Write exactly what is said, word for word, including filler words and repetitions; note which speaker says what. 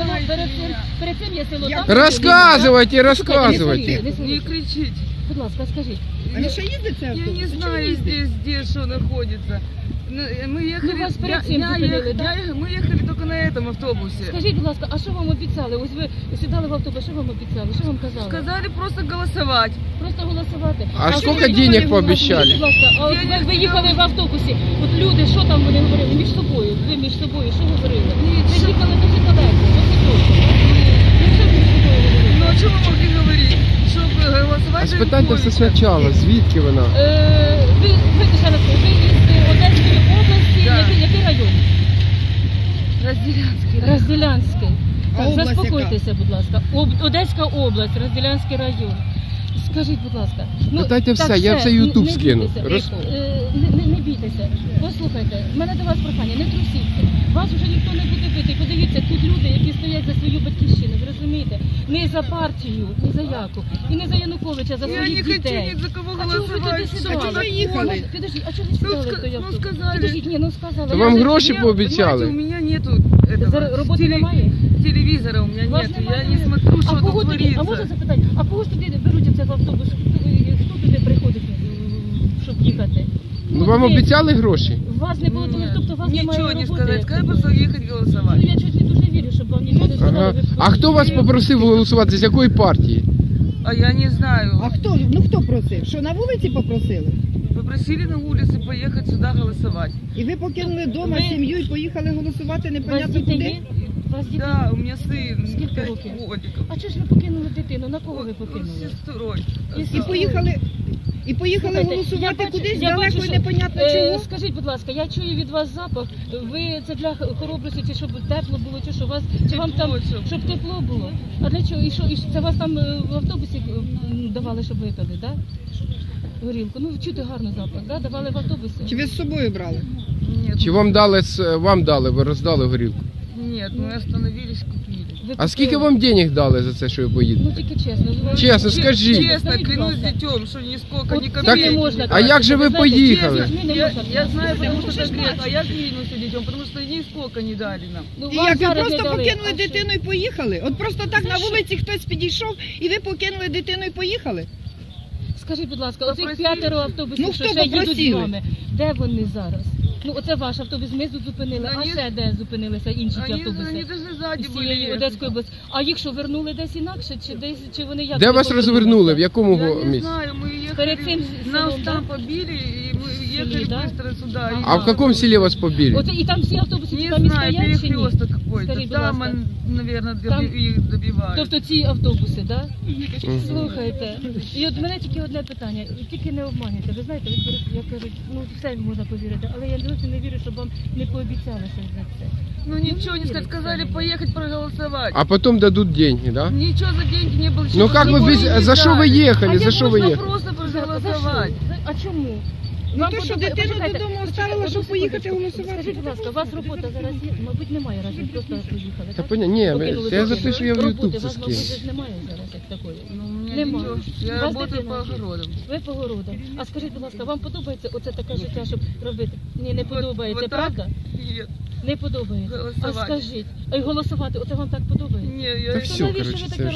Speaker 1: село, перед цим, перед цим є село. Там
Speaker 2: Рассказывайте, рассказывайте.
Speaker 3: Не кричите.
Speaker 1: Будь ласка, скажіть.
Speaker 4: А ще їздить це автобус?
Speaker 3: Я не знаю здесь, где что находится. Мы ехали,
Speaker 1: Ну, вас
Speaker 3: я,
Speaker 1: перед цим
Speaker 3: я,
Speaker 1: зупинили,
Speaker 3: ехала,
Speaker 1: да?
Speaker 3: я, мы ехали только на этом автобусе.
Speaker 1: Скажіть, будь ласка, а що вам обіцяли? Ось ви сідали в автобус, що вам обіцяли? Що вам казали?
Speaker 3: Сказали просто голосовать.
Speaker 1: Просто голосувати.
Speaker 2: А
Speaker 1: що
Speaker 2: сколько
Speaker 1: ви
Speaker 2: денег
Speaker 1: говорили?
Speaker 2: пообещали?
Speaker 1: Будь ласка, а от ви, ви їхали в автобусі, от люди, що там вони говорили між собою? Ви між собою, що говорили? Ви їхали дуже далеко, досить довго. Ну, що ви між собою говорили?
Speaker 3: Ну, о чем мы могли говорить? Чтобы голосовать
Speaker 2: А
Speaker 3: за
Speaker 2: спитайте все
Speaker 3: Януковича.
Speaker 2: спочатку, звідки вона?
Speaker 1: Е, ви, ви, ще раз, ви із Одеської області,
Speaker 3: Да.
Speaker 1: який, який район?
Speaker 3: Разделянский.
Speaker 1: Розділянський.
Speaker 4: А
Speaker 1: Так,
Speaker 4: область
Speaker 1: заспокойтеся, будь ласка. Об, Одеська область, Розділянський район. Скажіть, будь ласка.
Speaker 2: Питайте
Speaker 1: так
Speaker 2: все, я все
Speaker 1: не-
Speaker 2: YouTube
Speaker 1: не
Speaker 2: скину.
Speaker 1: бійтеся.
Speaker 2: Роз-
Speaker 1: Е, Не, не, не бійтеся. Послухайте, в мене до вас прохання, не трусіться. Вас вже ніхто не буде бити. Подивіться, тут люди, які стоять за свою батьківщину, ви розумієте? Не за партію, не за яку. І не за Януковича, за
Speaker 3: Я
Speaker 1: своїх
Speaker 3: не хочу
Speaker 1: дітей.
Speaker 3: ни за кого
Speaker 1: А чого ви
Speaker 3: голосовать.
Speaker 1: туди сідали?
Speaker 4: А чого ви їхали?
Speaker 1: Підождіть, а чого ви
Speaker 3: Ну,
Speaker 1: сідали в
Speaker 3: ска-
Speaker 1: той
Speaker 3: ну,
Speaker 1: автобус?
Speaker 3: сказали.
Speaker 1: Підождіть, ні, ну сказали.
Speaker 2: Та
Speaker 1: Я
Speaker 2: вам
Speaker 1: вже-
Speaker 2: гроші
Speaker 3: Я,
Speaker 2: пообіцяли.
Speaker 3: понимаете, у меня нету этого.
Speaker 1: За роботи
Speaker 3: теле-
Speaker 1: немає?
Speaker 3: Телевизора у меня
Speaker 1: Вас
Speaker 3: нет.
Speaker 1: немає?
Speaker 3: Я не смотрю, что
Speaker 1: а кого
Speaker 3: тут
Speaker 1: тоді, а можна
Speaker 3: творится.
Speaker 1: запитати, а кого ж туди беруть в цей автобус? Хто туди приходить, щоб їхати?
Speaker 2: Ну вам
Speaker 1: ви-
Speaker 2: обіцяли гроші?
Speaker 1: Вас не було, тому тобто у вас немає
Speaker 3: Ничего не
Speaker 1: роботи.
Speaker 3: сказать. Сказали просто ехать
Speaker 1: Ну
Speaker 3: голосовать.
Speaker 1: я щось не дуже вірю, щоб вам ніхто не сказали.
Speaker 2: Ага.
Speaker 1: ви
Speaker 2: А хто вас попросив голосувати? З якої партії?
Speaker 3: А я не знаю.
Speaker 4: А хто? Ну хто просив? Що на вулиці попросили?
Speaker 3: Попросили на улице поехать сюда голосовать.
Speaker 4: І ви покинули вдома
Speaker 1: Ви-
Speaker 4: сім'ю і поїхали голосувати
Speaker 1: У вас
Speaker 4: непонятно
Speaker 1: діти
Speaker 4: куди?
Speaker 1: є? У вас діти?
Speaker 3: Да, у меня сын.
Speaker 1: Сколько
Speaker 3: пять
Speaker 1: років?
Speaker 3: годиков.
Speaker 1: А чого ж ви покинули дитину? На кого ви
Speaker 3: С
Speaker 1: покинули?
Speaker 3: сестрой.
Speaker 4: І поїхали, і поїхали
Speaker 1: Слухайте,
Speaker 4: голосувати
Speaker 1: я бачу-
Speaker 4: кудись
Speaker 1: я
Speaker 4: далеко
Speaker 1: бачу,
Speaker 4: і
Speaker 1: що-
Speaker 4: непонятно
Speaker 1: е,
Speaker 4: чого.
Speaker 1: Скажіть, будь ласка, я чую від вас запах. Ви це для хоробрості, чи щоб тепло було, чи що у вас, чи вам там,
Speaker 3: Тепло, щоб-
Speaker 1: щоб тепло було? А для чого? І що, і що, це вас там е, в автобусі м, давали, щоб випили, да? Горілку. Ну, чути гарно запах, да? Давали в автобусі?
Speaker 4: Чи ви з собою брали?
Speaker 3: Нет,
Speaker 2: Чи вам дали, с- вам дали, ви роздали горілку?
Speaker 3: нет, мы остановились, купили.
Speaker 1: Ви
Speaker 2: А скільки
Speaker 1: купили?
Speaker 2: вам денег дали за це, що ви
Speaker 1: Ну,
Speaker 2: поїдете?
Speaker 1: тільки чесно. ви-
Speaker 2: Чесно,
Speaker 1: ви-
Speaker 2: скажіть.
Speaker 3: Честно,
Speaker 1: Скажіть, будь
Speaker 3: клянусь
Speaker 1: ласка.
Speaker 3: детем, что нисколько,
Speaker 1: От
Speaker 3: ни
Speaker 1: це
Speaker 3: копейки.
Speaker 1: не можна
Speaker 2: а
Speaker 1: казати,
Speaker 2: як же ви
Speaker 1: знаєте,
Speaker 2: поїхали?
Speaker 1: чесно, не
Speaker 3: Я,
Speaker 1: можна
Speaker 3: я
Speaker 1: казати.
Speaker 3: знаю, потому
Speaker 4: Ну,
Speaker 3: что
Speaker 4: що ж
Speaker 3: грех, а
Speaker 4: бачите?
Speaker 3: я клянусь детем, потому что нисколько не дали нам.
Speaker 1: Ну,
Speaker 4: І
Speaker 1: вам
Speaker 4: як ви
Speaker 1: зараз
Speaker 4: просто
Speaker 1: не дали.
Speaker 4: покинули
Speaker 1: А що?
Speaker 4: дитину і поїхали? От просто так
Speaker 1: За
Speaker 4: на
Speaker 1: що?
Speaker 4: вулиці хтось підійшов і ви покинули дитину і поїхали?
Speaker 1: Скажіть, будь ласка, оцих
Speaker 3: Попросили.
Speaker 1: п'ятеро автобусів,
Speaker 4: Ну,
Speaker 1: що
Speaker 4: хто
Speaker 1: ще їдуть з
Speaker 4: попросили?
Speaker 1: вами, де вони зараз? Ну, оце ваш автобус, ми тут зупинили, а
Speaker 3: Вони-
Speaker 1: ще де зупинилися інші ті
Speaker 3: Они,
Speaker 1: автобуси?
Speaker 3: они даже сзади
Speaker 1: З
Speaker 3: были.
Speaker 1: цієї
Speaker 3: ехать.
Speaker 1: Одеської області. А їх що, вернули десь інакше, чи десь, чи вони як?
Speaker 2: Де
Speaker 1: туди
Speaker 2: вас
Speaker 1: повернулися?
Speaker 2: розвернули? В якому
Speaker 3: Я не
Speaker 2: місці?
Speaker 3: знаю, мы ехали,
Speaker 1: Перед цим с-
Speaker 3: нас
Speaker 1: селом,
Speaker 3: там
Speaker 1: да?
Speaker 3: побили, и мы ехали
Speaker 1: Селе, да?
Speaker 3: быстро сюда. и-
Speaker 2: А в якому селі вас побили?
Speaker 1: Оце, і там всі автобуси,
Speaker 3: Не
Speaker 1: чи там і
Speaker 3: знаю,
Speaker 1: стоять, чи ні?
Speaker 3: перекресток какой-то.
Speaker 1: Скажіть, будь
Speaker 3: Там,
Speaker 1: ласка.
Speaker 3: он, наверное,
Speaker 1: Там-
Speaker 3: их добивают.
Speaker 1: Тобто ці автобуси, так? Да?
Speaker 2: Мгм.
Speaker 1: Слухайте, і от мене тільки одне питання, тільки не обманюйте. Ви знаєте, ви перед- як кажуть, ну все можна повірити, але я досі не вірю, щоб вам не пообіцяли щось за це.
Speaker 3: Ну ничего не сказать, сказали поехать проголосовать.
Speaker 2: А потом дадут деньги, да?
Speaker 3: Ничего за деньги не было.
Speaker 2: Ну как вы
Speaker 3: ничего
Speaker 2: без...
Speaker 3: не
Speaker 2: За что вы
Speaker 3: дали.
Speaker 2: ехали?
Speaker 1: А
Speaker 2: За
Speaker 1: я
Speaker 2: что вы
Speaker 3: Можно
Speaker 2: ехали?
Speaker 3: просто
Speaker 1: За- за
Speaker 3: проголосовать.
Speaker 1: що? За- А чому?
Speaker 4: Ну
Speaker 1: Вам
Speaker 4: то, що
Speaker 1: подобає-
Speaker 4: дитину
Speaker 1: почекайте,
Speaker 4: додому
Speaker 1: почекайте,
Speaker 4: оставила, щоб
Speaker 1: одну
Speaker 4: поїхати
Speaker 1: секундочку.
Speaker 4: голосувати.
Speaker 1: Скажіть, будь ласка, у вас робота зараз є? Мабуть, немає, раз ви просто поїхали,
Speaker 2: Та
Speaker 1: так?
Speaker 2: поня... Ні,
Speaker 1: Покинули
Speaker 2: це я
Speaker 1: дитину.
Speaker 2: запишу, я в
Speaker 1: Роботи
Speaker 2: YouTube
Speaker 1: у
Speaker 2: це
Speaker 1: вас, мабуть,
Speaker 2: скину.
Speaker 1: ж немає зараз як такої.
Speaker 3: Ну, у меня
Speaker 1: Нема.
Speaker 3: ничего.
Speaker 1: У
Speaker 3: Я
Speaker 1: вас
Speaker 3: работаю
Speaker 1: дитина
Speaker 3: по
Speaker 1: є.
Speaker 3: огородам.
Speaker 1: Ви по городам. А скажіть, будь ласка, вам подобається оце таке життя, щоб робити? Ні, не подобається,
Speaker 3: вот так?
Speaker 1: правда?
Speaker 3: Нет.
Speaker 1: Не подобається. А
Speaker 3: Голосувати.
Speaker 1: скажіть, а й голосувати, оце вам так подобається?
Speaker 3: Не, я
Speaker 2: Та
Speaker 1: То
Speaker 2: все,
Speaker 1: навіщо
Speaker 2: короче,
Speaker 1: ви
Speaker 2: це
Speaker 1: таке